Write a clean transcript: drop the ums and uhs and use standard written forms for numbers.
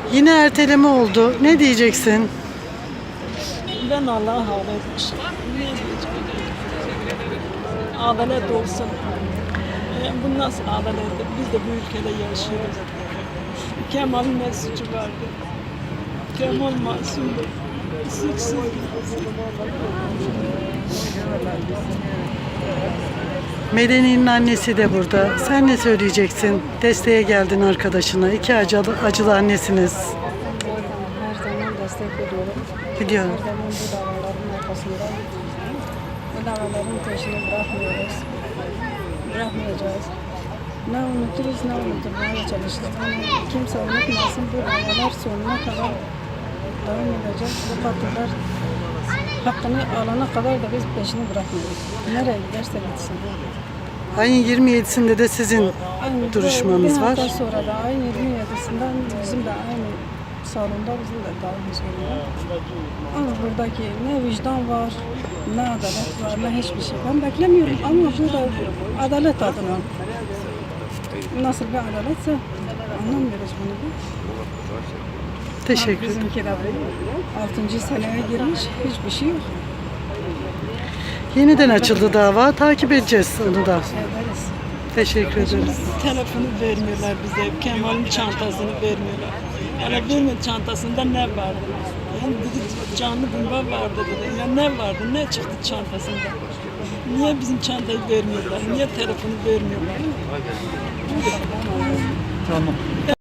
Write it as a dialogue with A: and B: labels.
A: Yine erteleme oldu. Ne diyeceksin?
B: Ben Allah'a havale etmişim. Ne diyeceğim? Adalet olsun. Bu nasıl adalettir? Biz de bu ülkede yaşıyoruz. Kemal'in ne suçu vardı? Kemal masumdu. Suçsuz.
A: Medeni'nin annesi de burada. Sen ne söyleyeceksin? Desteğe geldin arkadaşına. İki acılı annesiniz.
B: Her zaman destek veriyorum.
A: Biliyorum.
B: Her zaman bu davaların arkasında. Bu davaların peşini bırakmıyoruz. Bırakmayacağız. Ne unuturuz ne unutmaya çalışırız. Ama kimse unutmasın, bu davalar sonuna kadar devam edecek. Bu katiller hakkını alana kadar da biz peşini bırakmıyoruz. Nereye giderse gitsin.
A: Ayın 27'sinde de sizin
B: Aynı
A: duruşmanız
B: bir
A: var.
B: hafta sonra da ayın 27'sinden bizim de aynı salonda bizim de davamız oluyor. Ama buradaki ne vicdan var, ne adalet var, ne hiçbir şey. Ben beklemiyorum ama bu da adalet adına. Nasıl bir adaletse anlamıyoruz bunu da.
A: Teşekkür ederim.
B: Bizimki de 6. seneye girmiş, hiçbir şey yok.
A: Yeniden açıldı dava. Takip edeceğiz onu da.
B: Ederiz.
A: Teşekkür ederiz.
B: Telefonu vermiyorlar bize, Kemal'in çantasını vermiyorlar. Yani vermiyor, çantasında ne vardı? Yani dedi, canlı bomba vardı dedi. Ya ne vardı, ne çıktı çantasında? Niye bizim çantayı vermiyorlar? Niye telefonu vermiyorlar?
C: Tamam.